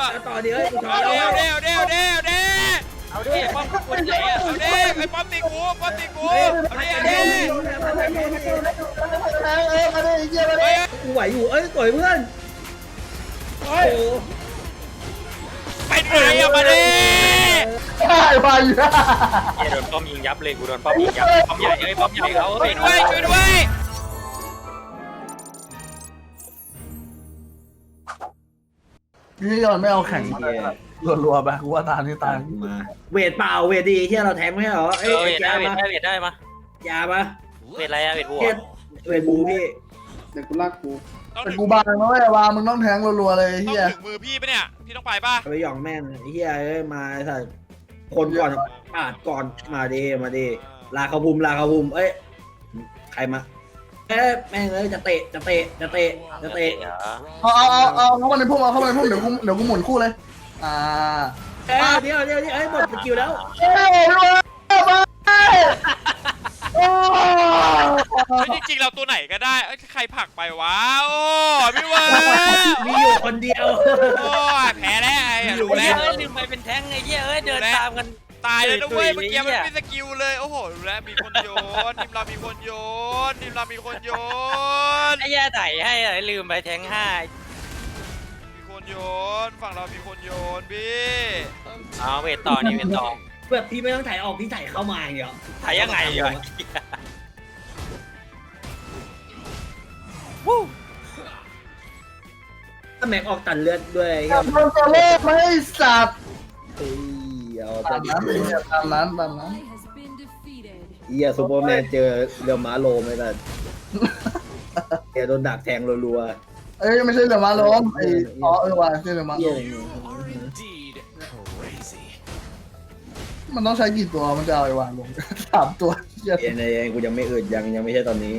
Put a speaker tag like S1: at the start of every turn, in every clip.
S1: ต่อเดี๋ยว
S2: เอาดิป้อมกูไหนอ่ะเอาดิไอ้ป้อมตีกูเอาดิ
S1: กูไหวอยู่ต่อยเพื่อนโอ้
S2: ไปไหนอ่ะมาดิ
S3: ไปอยู่
S2: โดนป้อมยิงยับเลยกูโดนป้อมยิงยับป้อมใหญ่ป้อมใหญ่เขาช่วยด้วย
S3: พี่ยอนไม่เอาแข่งรัวๆไปกูว่าตานี่ตาย
S1: มาเวทเปล่าเวทดีที่เราแทงไม่ใช่หรอ
S2: เวทได้มาย
S1: าปะ
S2: เวทอะไรอะเวทบัว
S1: เวทบูพี่
S3: เด็กกูรักกูแต่กูบางนะเว้ยวางมึงต้องแทงรัวๆเลยเฮีย
S2: ถึงมือพี่ปะเนี่ยพี่ต้องไปป่ะ
S1: ไปหยองแม่งเฮียมาสัตว์คนก่อนปาดก่อนมาดิลาเขาภูมิใครมาแม่งเลยจะเตะ
S3: เอาเข้ามาในพุ่มเดี๋ยวกูหมุนคู่เลย
S1: เดี๋ยวหมดสกิลแล้ว
S2: จริงๆเราตัวไหนก็ได้ใครผลักไปวะโอ้พี่ว่า
S1: มีอยู่คนเดียว
S2: โอ้แพ้แล้วไอ้รู้แล้วลืมไปเป็นแท้งไอ้เหี้ยเดินตามกันตายเลยนะเว้ยเมื่อกี้มันไม่สกิลเลยโอ้โหรู้แล้วมีคนโยนทีมเรามีคนโยนไอ้แย่ไต่ให้ลืมไปแท้ง5มีคนโยนฝั่งเรามีคนโยนพี่เอาเวทต่อนี่เวทต่อ
S1: แบบพี่ไม่ต้องถ่ายออกพี่ถ่ายเข้ามาอย่างเดียว
S2: ถ่ายยังไงอ่ะ
S1: ถ้าแม็กออกตันเลือดด้วย
S3: มันจะเล่นไม่สับ
S1: ตามนั้นซูเปอร์แมนเจอเรือม้าโลไม่ได้แกโดนดักแทงรัว
S3: ๆไม่ใช่เรือม้าล้มว่ะใช่เรือม้าล้มมันต้องใช้กี่ตัวมันจะเอาไอ้วางลง3 ตัว
S1: ยังกูยังไม่อึดยังไม่ใช่ตอนนี้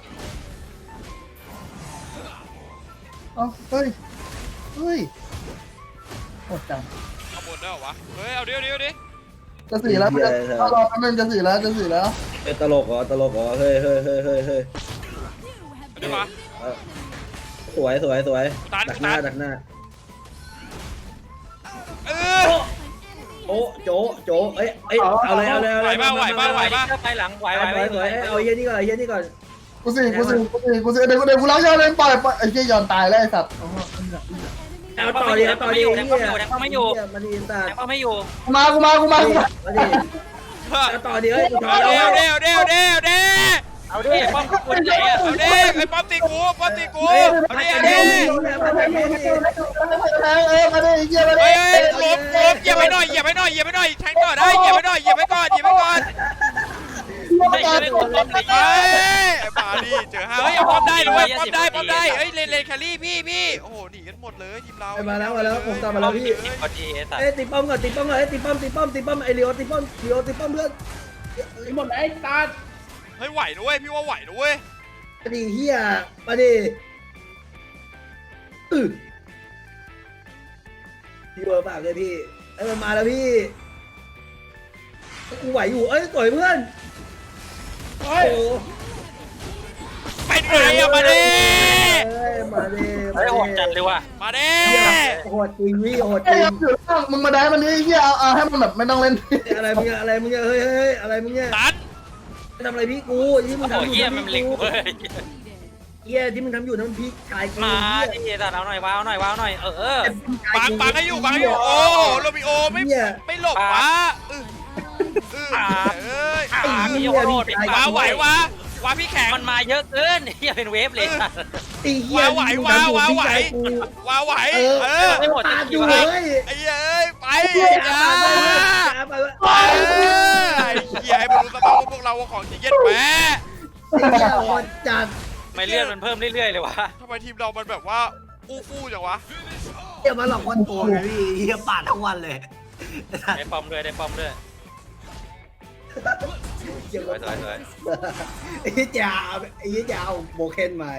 S3: เฮ้ยหมดจัง
S2: เอาหมดได้เหรอวะเฮ้ยเอาดิ
S3: จะ4แล้วรอแป๊บนึงจะ4แล้ว
S1: ตลกเหรอเฮ้ย
S2: ดูมา
S1: สวยดักหน้าโจเอาเลย
S2: ไหวไปหลังไหว
S1: เอาเฮียนี่ก่อน
S3: กูสิเดี๋ยวกูล้างยาเลยปล่อยไอ้เหี้ยยอนตายแล้วไอ้สัตว์
S1: เอาต่อดิ
S2: แทงไม่อยู่
S1: มันอินตา
S3: มา
S1: เอาต่อดิ
S2: เอาดิป้อมกูไหนอ่ะเอาดิไอ้ป้อมตีกูเอาดิล้มเหยียบไปหน่อยแทงต่อได้เหยียบไปก่อนไม่ใช่ไม่ป้อมเลยไอ้ป่าดิเจอเฮ้ยป้อมได้เลยป้อมได้เฮ้ยเลนแครี่พี่โอ้โหหนีกันหมดเลยทีมเรา
S1: มาแล้วผมตามมาแล้วพี่ตีป้อมก่อนตีป้อมไอเลียวตีป้อมเพื่อนหมดไอ้ตา
S2: เฮ้ยไหวนะเว้ยพี่ว่าไหวนะเว้ย
S1: มาดิเฮียมาดิพี่เบอร์ปากเลยพี่มันมาแล้วพี่กูไหวอยู่ต่อยเพื่อน
S2: ไปไหนอะมาดิ
S1: โห
S2: ดจัดเลยว่ะมาดิ
S1: โหดจริงพี่โหดจริง
S3: มึงมาได้มันนี่เฮียเอาให้มันแบบไม่ต้องเล่น
S1: อะไรมึงเฮ้ยอะไรมึงเนี่ย
S2: ตัน
S1: ทำอะไรพี่กูที่มึงทำอยู่ที่มึงทำอยู่นั่นพี่ชาย
S2: มาดิตัดเอาหน่อยว้าวหน่อยบังให้อยู่โอ้โรบิโอไม่หลบวะพี่โคตรไหววะพี่แข็งมันมาเยอะเกินอย่าเป็นเวฟเลยไหวไม่หมด
S1: อยู่เลย
S2: ไอ้ไปไอ้บรรลุสภาพพวกเราของจริงเย็ดแหม
S1: จัด
S2: ไม่เลื่อนมันเพิ่มเรื่อยๆเลยวะทำไมทีมเรามันแบบว่าฟู่จังวะ
S1: อย่ามาหลอกคนโกงเลยพี่เฮียปาดทั้งวันเลย
S2: ได้ป้อมด้วยสวย
S1: ไอ้จ่าโบเคนใหม่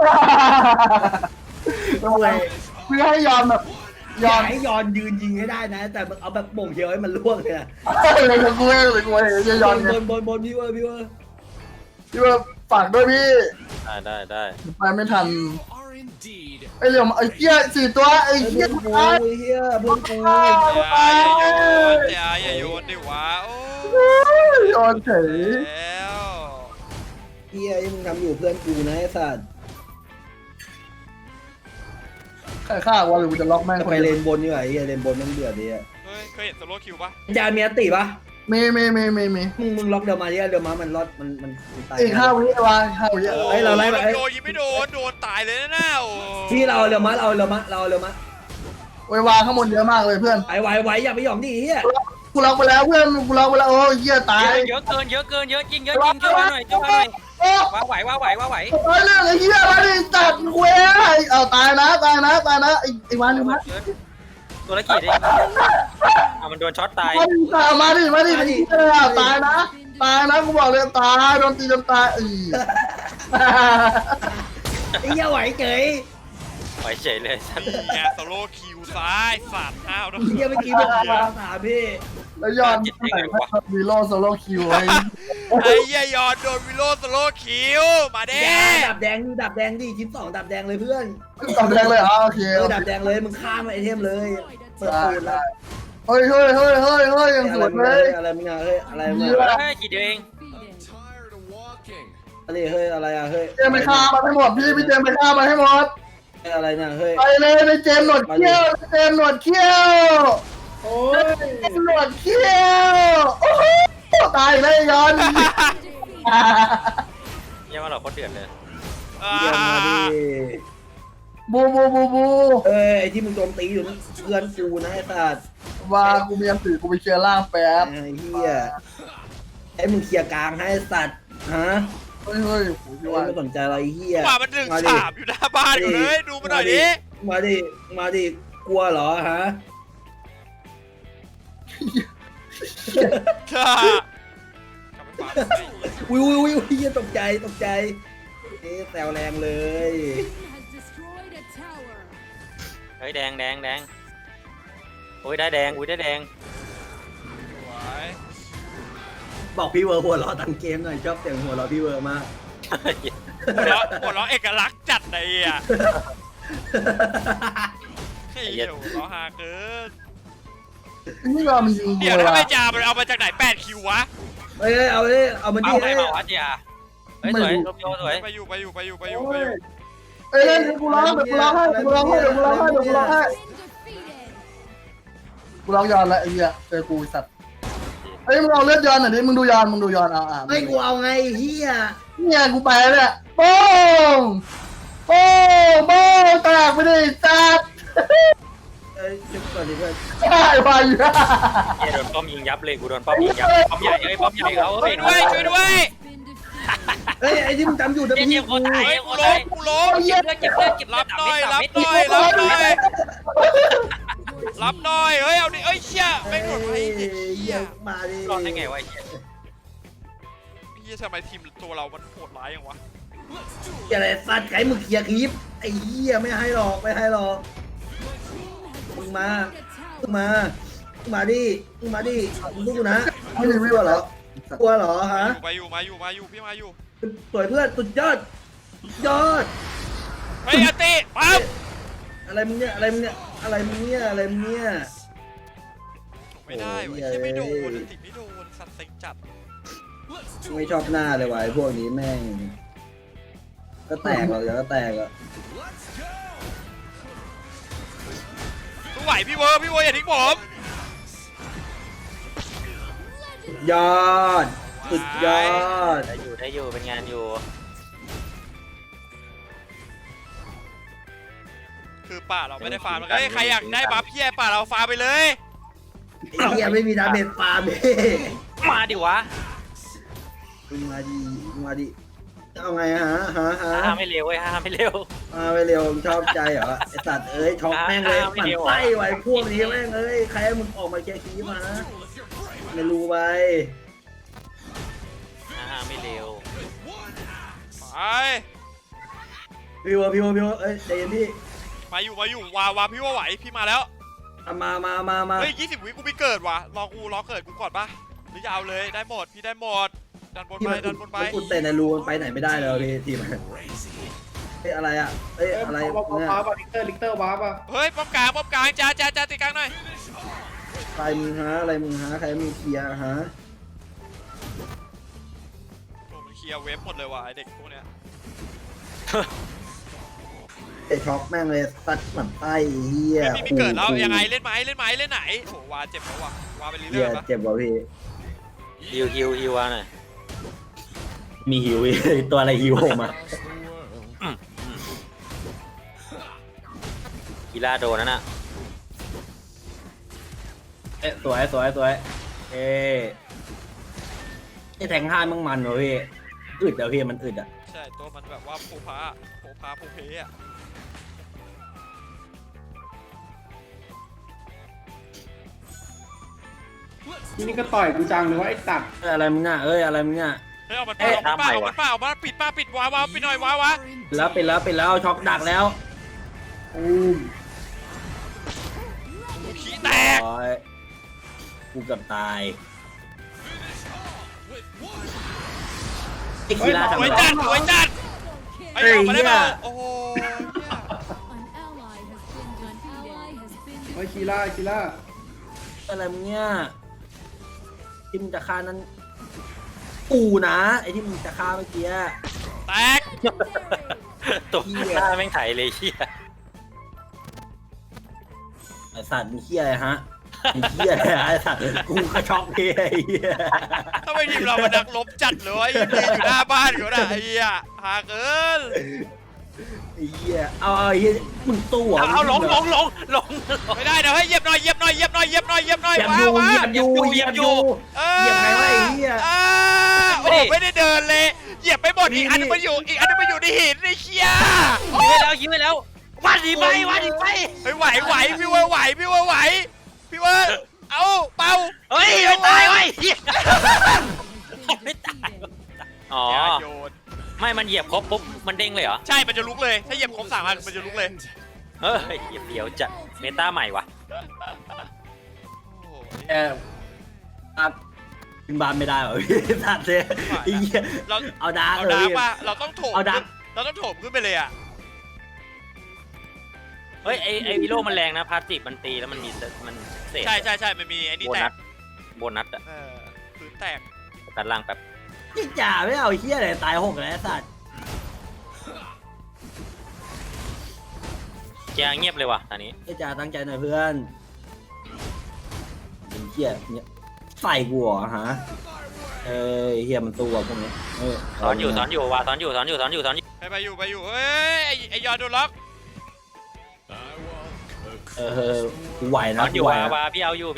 S3: เพื่อให้ยอนแบบ
S1: ให้ยอนยืนยิงให้ได้นะแต่เอาแบบบ่งเดียวให้มันล่วงเลย
S3: เลยกูยอน
S1: บนพี่เวอร์
S3: ฝากด้วยพี่
S2: ได้
S3: ไปไม่ทันไอ้เหลี่ยมไอ้เหี้ย4 ตัวไอ้
S1: เพื่
S3: เหี้ย
S1: อนกู
S3: ตาย
S1: เฮียเพื่อนกู
S2: อย่าโยนดิวะโอ้
S3: โยนเฉย
S2: แล้ว
S1: เฮียที่มึงทำอยู่เพื่อนกูนะไอ้สัตว์
S3: ใครฆ่าวะหรือกูจะล็อกแม่ง
S1: จะ
S3: คน
S1: ไป
S3: เดี
S1: เล
S3: ยวน
S1: บนดีกว่าเฮียเลนบนมันเดือดดีอะ
S2: เฮ้ยเคยเห็นโซโล่คิวปะ
S1: จานมีอันติปะ
S3: มี
S1: มึงล็อกเดี๋ยวมาเดี๋ยวมามันรอดมันตาย
S3: อีก5 วิวะ5 วิ
S1: เฮ้ยเราไล่ไป
S2: โดนยิงไม่โดนโดนตายเลยนะโอ้
S1: ที่เราเร็วมาเราเร็วมา
S3: ไว้วางข้างบนเยอะมากเลยเพื่อน
S1: ไวอย่าไปหย่อมดิเฮีย
S3: กูล็อกไปแล้วเพื่อนกูล็อกไปแล้วโอ้ยเหี้ยตาย
S4: เยอะเกินเยอะจริงช่วยมาหน่อยช่วยมาหน่อย
S3: โอ้
S4: ว้าไหว
S3: ตายเรื่องไอ้เหี้ยมาดิตัดกูเองเอาตายนะไอ้วัน
S4: ตัวละกี่ดิมันโดนช็อตตาย
S3: มาดิไอ้เหี้ยตายนะกูบอกเลยตายโดนตีจนตาย
S1: ไอ้เฮียไหวเฉย
S4: ไหวเฉยเลย
S2: แกโซโล่คิวซ้ายสาดห้าวนะ
S1: เฮียเมื่อกี้บอกถามพี่
S3: แล้วยอดวีโร่โซโล่คิวไอ้
S2: ไอ้เหี้ยยอนโดนวิโรโซโล่คิวมาเด้
S1: ดับแดงดิชิ้น2ดับแดงเลยเพื่อน
S3: ตอบแรงเลยโอเค
S1: ดับแดงเลยมึงข้ามไอเทมเลยเปิดปืนแล้ว
S3: เฮ้ยยังสวยเลย
S1: อะไรมึงอะเฮ้ยอะไรมึง
S4: แค่กี่เดียวเอง
S1: อะไรเฮ้ยอะไรอะเฮ้ย
S3: เจมไปฆ่ามันให้หมดพี่เจมไปฆ่ามันให้หมด
S1: อะไรเนี่ยเฮ้ย
S3: ไปเลยในเจมหนวดเขี้ยวเจมหนวดเขี้ยว
S1: โอ้ย
S3: หนวดเขี้ยวโอ้โหตายเลยย้อน
S4: ยังว่าเราก็เดือดเลย
S1: เยี่ยมมาดิ
S3: บู
S1: เอ้ยไอที่มึงโจมตีอยู่นั่นเพื่อนกูนะไอ้สัตว์
S3: ว่ากูมีอันสื่อกูไปเคลียร์ล่างแป๊บ
S1: ไอ้เหี้ยไอ้มึงเคลียร์กลางให้สัตว์ฮะ
S3: เฮ้ยพี่ว่า
S1: ไม่สนใจอะไรเหี้ย
S2: ว่ามัน1-3อยู่หน้าบ้านอยู่เลยดูมาหน่อยดิ
S1: มาดิกลัวเหรอฮะ
S2: ค่ะ
S1: วิวเหี้ยตกใจแซวแรงเลย
S4: เฮ้ยแดงโอ้ยได้แดงได้แดง
S1: บอกพี่เวอร์หัวเราะตั้งเกมหน่อยชอบเสียงหัวเราะพี่เวอร์มาก
S2: หัวเราะเอกลักษณ์จัดเลยอ่ะเฮ้ยหัวเราะฮาเกิน
S3: นี่เรามันยิง
S2: เดี๋ยวถ้าไม่จ่ามันเอามาจากไหน8คิววะ
S1: เฮ้ยเอามันดิ
S4: เอาไป
S1: เฮ้ย
S4: บอกว่าเจียเฮ้ยสวยโรมิโอสวย
S2: ไปอยู่
S3: เอ้ยกูร้องให้กูร้องให้กูร้องย้อนแล้วไอ้เหี้ยเจอกูสัตว์เฮ้ยมึงเอาเลือดย้อนหน่อยดิมึงดูย้อน
S1: ไม่กูเอาไงเฮีย
S3: เนี่ยกูไปแล้วโป้งแตกไปดิสัตว์
S1: จุดก่อนดิเพื่อน
S3: ได้ไปอยู่
S4: เจียโดนป้อมยิงยับเลยกูโดนป้อมยิงยับป้อมใหญ่เขา
S2: ช่วยด้วย
S1: เฮ้ยไอ้ที่มึงจำอยู่นะ
S4: เจีย
S1: พี่
S4: โคตรตาย
S2: เฮ้ย
S4: โค
S2: กู
S4: ตร
S2: ล้
S4: ตาย
S2: มกูล้ม
S4: เก็บเลือด
S2: รับหน่อยเฮ้ยเอาดิเอ้ยเชี่ยไม่หมดไอ้
S1: เฮียมาดิ
S4: รอดได้ไงวะไอ้เหี้ย
S2: เฮียทำไมทีมตัวเรามันโหดร้ายอย่างวะ
S1: อะไรสัตว์ไก่มึงเคลียร์คลิปไอ้เฮียไม่ให้หรอกมึงมาดิมึงดูนะไม่มีวิวเหรอกลัวเหรอฮะ
S2: มาอยู่พี่มาอยู่
S1: สวยเพื่อนสุดยอด
S2: เฮ้ยอติปั๊บ
S1: อะไรมึงเนี่ย
S2: ไม่ได้เว้ยเชี่ยไม่โดนอติไม่โดนสัตว์เซ็งจัด
S1: ไม่ชอบหน้าเลยว่ะไอ้พวกนี้แม่งก็แตกหรอกเดี๋ยวก็แตกอ่ะ
S2: สู้ไหวพี่เวอร์อย่าทิ้งผม
S1: ยอดสุดยอด
S4: ได้อยู่เป็นงานอยู่
S2: คือป่าเราไม่ได้ฟาร์มเฮ้ยใครอยากได้บัฟพี่ป่าเราฟาร์มไปเลย
S1: ไอ้เหี้ยไม่มีดาเมจฟาร์มเลย
S4: มาดิวะ
S1: มึงมาดิเอาไงฮะ
S4: ห้ามไม่เร็วเว้ยห้ามไม่เร็ว
S1: มาไปเร็วมึงชอบใจเหรอไอ้สัตว์เอ้ยช็อกแม่งเลยหมั่นไส้ไว้พวกนี้แม่งเอ้ยใครให้มึงออกมาแก้ขี้มาไม่รู้ไป
S4: ห้ามไม่เร็ว
S2: ไป
S1: พี่วอเอ้ยใจเย็นพี่
S2: มาอยู่วาพี่ว่าไหวพี่มาแล้ว
S1: มา
S2: เฮ้ย20 วิกูไม่เกิดว่ะรอเกิดกูก่อนปะหรือจะเอาเลยได้หมดพี่ได้หมดดันบนไป
S1: กูเตะในรูมันไปไหนไม่ได้เลยพี่ทีมอะไรอ่ะเอ้ยอะไร
S3: ว้า
S1: เนี่ย
S3: ป่ะลิกเตอร์ว้าป่ะ
S2: เฮ้ยป้อมกลางจ้าตีกลางหน่อย
S1: ใครมึงฮะอะไรมึงฮะใครมีเคลียร์ฮะ
S2: โอ้มันเคลียร์เว็บหมดเลยว่ะไอเด็กพวกเนี้ย
S1: ไอช็อกแม่งเลยสัตว์หมันไส้เฮีย
S2: ไม่มีเกิดแล้วยังไงเล่นไหมเล่นไหนโอ้วาเจ็บแล้วว่ะวาไปเรื่
S1: เฮีย
S2: อยๆปะ
S1: เจ็บว่ะพี่
S4: ฮิววะหน่อย
S1: มีหิวอีกตัวอะไรหิวผมอ่ะ
S4: กีฬาโดนนั่นน่ะ
S1: เอ๊ะสวยเอ๊ะไอแทงห้ามึงมันเหรอพี่อึดเดี๋ยวพี่มันอึดอ่ะ
S2: ใช่ตัวมันแบบว่าผูเพอะ
S3: นี่ก็ต่อยกูจังเลยว่าไอ้ตัด
S1: อะไรมึงน่ะเอ้ยอะไรมึงน่ะ
S2: เฮ้ยเอามันเปล่าปิดวาวปิดหน่อยวาวะ
S1: แล้วช็อกดักแล้ว
S2: ขี้แตก
S1: โอ้ยกูเกับตายไอ้กีฬา
S2: ส
S1: ทำ
S2: วย
S1: ไร
S2: จัดไอ้ออกมาได้เปล่าโอ้โห
S3: ไอ้คีล่า
S1: อะไรมึงเนี่ยที่มึงจะฆ่านั้นกูนะไอ้ที่มึงจะฆ่าเมื่อกี้
S2: แตก
S4: ตัวหน้าแม่งไถเลยเฮีย
S1: ไอ้สัตว์มึงเหี้ยอะไรฮะมึงเหี้ยอะไรไอ้สัตว์กูกระช็อกพี่ไอ้เหี้ย
S2: ทำไมทีมเรามันนักลบจัดเลยยืนอยู่หน้าบ้านเขาได้ไอ้เหี้ยหาเกิน
S1: ไอ้เหี้ยเอาไอ้เหี้ยมึงตู้อ่ะ
S4: เอาลง
S2: ไม่ได้เดี๋ยวให้เหยียบหน่อยว้าว
S1: เหยียบอยู่ เหยียบใครวะไอ้เหี้ย
S2: โอ้ไม่ได้เดินเลยเหยียบไปหมดอีกอันนึงมันอยู่ในหินไอ้เหี้ย
S4: ยิงไปแล้ววันดีไป
S2: เฮ้ยไหวพี่ว่าไหวเอาเป่า
S4: เฮ้ยไม่ตายเว้ยไม่ตายอ๋อ
S2: อย่าโยน
S4: ไม่มันเหยียบครบปุ๊บมันเด้งเลยเหรอ
S2: ใช่มันจะลุกเลยถ้าเหยียบครบ3 อันมันจะลุกเลย
S4: เฮ้ยเดี๋ยวจะเมตาใหม่ว่ะ
S1: เออครับขึ้นบ้านไม่ได้หรอพี่สัตว์เลยไอ้เหี้ย
S2: เรา
S1: เอาดาร์ก
S2: เอา
S1: เล
S2: ดาร์
S1: ย
S2: กป่ะเราต้องโถม
S1: เอาดาร์ก
S2: เราต้องโถมขึ้นไปเลยอ่ะ
S4: เฮ้ยไอวิโร่มันแรงนะพาสติฟมันตีแล้วมันมีมันเศษ
S2: ใช่มันมีไอ้นี่
S4: โบ
S2: แต
S4: นั
S2: ก
S4: สโบนัสอะ
S2: พื้นแตก
S4: ตัดล่างแบบ
S1: พี่จ่าไม่เอาไอ้เหี้ยอะไรตาย6แล้วไอ้สัตว์
S4: แกเงียบเลยว่ะตอนนี้
S1: พี่จ่าตั้งใจหน่อยเพื่อนไอ้เหี้ยเนี่ยใส่กูเหรอฮะเอ้ยเหี้ยมันตัวพวกนี้เอ้ย
S4: สอนอยู่ว่ะสอนอยู่
S2: ไปอยู่เฮ้ยไอยอดโดนล็อก
S1: กูไหว
S4: ส
S1: นะ
S4: อนอยู่
S1: กูไหว
S4: ว่ะ
S1: นะ
S4: พี่เอาอยู่
S3: ไป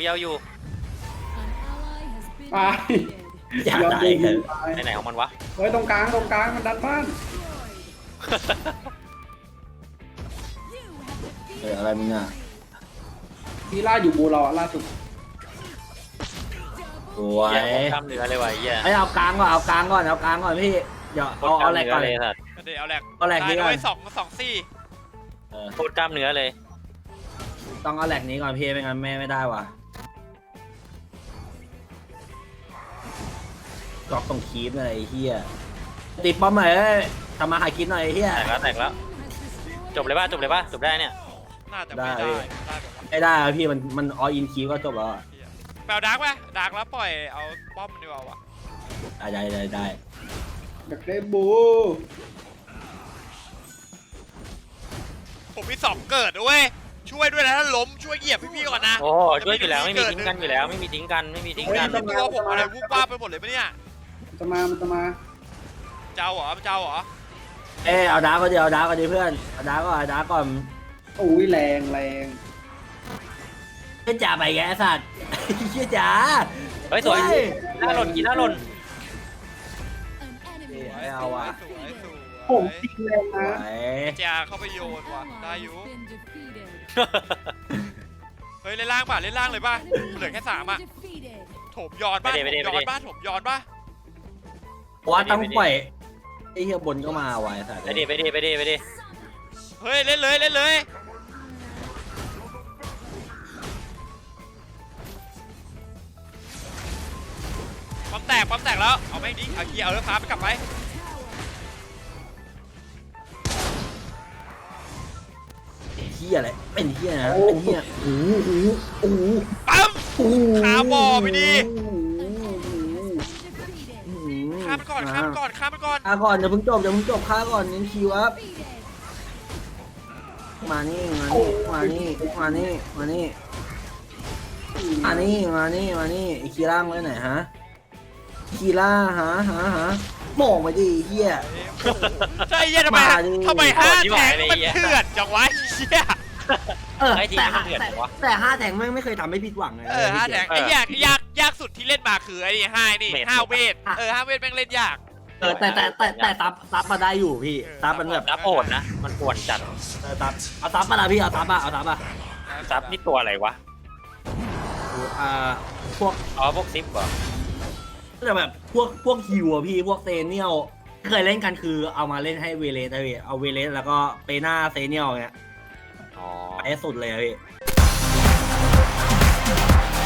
S1: อยากตายกัน
S4: ไปไหนของมันวะ
S3: เฮ้ยตรงกลางมันดันบ้าน
S1: อะไรมึงอ่ะ
S3: คีล่าอยู่บูรอล่าสุด
S1: สวย
S4: เหี้ยกล้ามเนื้อเลยว่ะเหี้ย
S1: ไอ้เอากลางก่อนพี่เดี๋ยวเอาแหลกก่อน
S4: เลยสัตว์
S2: เดี๋ยวเอาแหลก
S1: เอาแหลก
S2: ตาย
S1: นี้ก่
S2: ด้
S1: อ
S2: วน ย2 ซี่
S4: โคตรกล้ามเนื้อเลย
S1: ต้องเอาแหลกนี้ก่อนพี่ไม่งั้นแม่ไม่ได้ว่ะล็อกตรงคีบเลยไอ้เหี้ยติดป้อมหน่อยทำมาหากินหน่อยไอ้เหี้ย
S4: แตกแล้วจบเลยป่ะจบได้เนี่ย
S2: น่าจะไม่ได้แบบว่า
S1: ไม่ได้พี่มันออินคีก็จบแล้ว
S2: แปลดาร์กไหมดาร์กแล้วปล่อยเอาป้อมมันดีกว่าว่ะ
S1: ได้
S3: อยากได้บู
S2: ผมมี2 เกิดด้วยช่วยด้วยนะถ้าล้มช่วยเหยียบพี่ก่อนนะ
S4: โอ้ช่วยอยู่แล้วไม่มีทิ้งกันอยู่แล้วไม่มีทิ้งกัน
S2: ตัวผมอะไรวุบว่าไปหมดเลยปะเนี่ย
S3: มันจะมา
S2: เจ้าเหรอ
S1: เอาดาร์กก็เดี๋ยวเอาดาร์กก็ดีเพื่อนเอาดาร์กก่อน
S3: อุ้ยแรง
S1: เชี่ยจ่าไปแกสัตว์เชี่ยจ่า
S4: เฮ้ยสวยหน้าหล่น
S1: ไม่เอาว่ะ
S2: สวย
S3: ผมตีแรงนะ
S2: จ้าเข้าไปโยนว่ะได้อยู่เฮ้ยเล่นล่างเลยป่ะเหลือแค่3 อ่ะโถมย้อนป่ะถมย้อนป่ะ
S1: ว่าต้องปล่อยไอ้เหี้ยบนก็มาไว้สัตว์
S4: ไปดิ
S2: เฮ้ยเล่นเลยปั๊มแตกแล้วเอาไม่ดิเอาเกียร์เอาเรือฟ้าไปกลับไป
S1: เฮียอะไรเป็นเฮียนะเป็นเฮียโอ้โหโอ้โห
S2: ปั๊ม
S1: โอ้โห
S2: ขาบ่อไปดิ
S1: โอ้โห
S2: ข้ามไปก่อนข้ามไปก่อนข้ามไปก่อน
S1: ฆ่าก่อนอย่าเพิ่งจบฆ่าก่อนเน้นคิวครับมานี่มานี่มานี่มานี่มานี่มานี่มานี่ไอ้คีร่างไว้ไหนฮะคีร่าหาโม่งไปดิเฮีย
S2: ใช่เหี้ยทำไม
S1: มาดิ
S2: ทำไมห้าแทงมันเถื่อนจังวะเหี้ย
S4: ไอ้ทีมมันเดือดวะ
S1: แต่5 แทงไม่เคยทำให้ผิดหวังเลย
S2: ห้าแทงไอ้ยากสุดที่เล่นมาคือไอ้ห้านี่ห้าเวทห้าเวทแม่งเล่นยาก
S1: แต่ซับมาได้อยู่พี่ซับมันแบบ
S4: ซับโหดนะมันปวดจัด
S1: ซับเอาซับมาละพี่เอาซับอะ
S4: ซับนี่ตัวอะไรวะ
S1: พวก
S4: อ๋อพวกซิปเหรอ
S1: แต่แบบพวกฮิวอะพี่พวกเซเนียลเคยเล่นกันคือเอามาเล่นให้เวเลสเลยเอาเวเลสแล้วก็เปน่าเซเนียลเงี้ย
S4: อ๋อ
S1: ไปให้สุดเลยอะพี่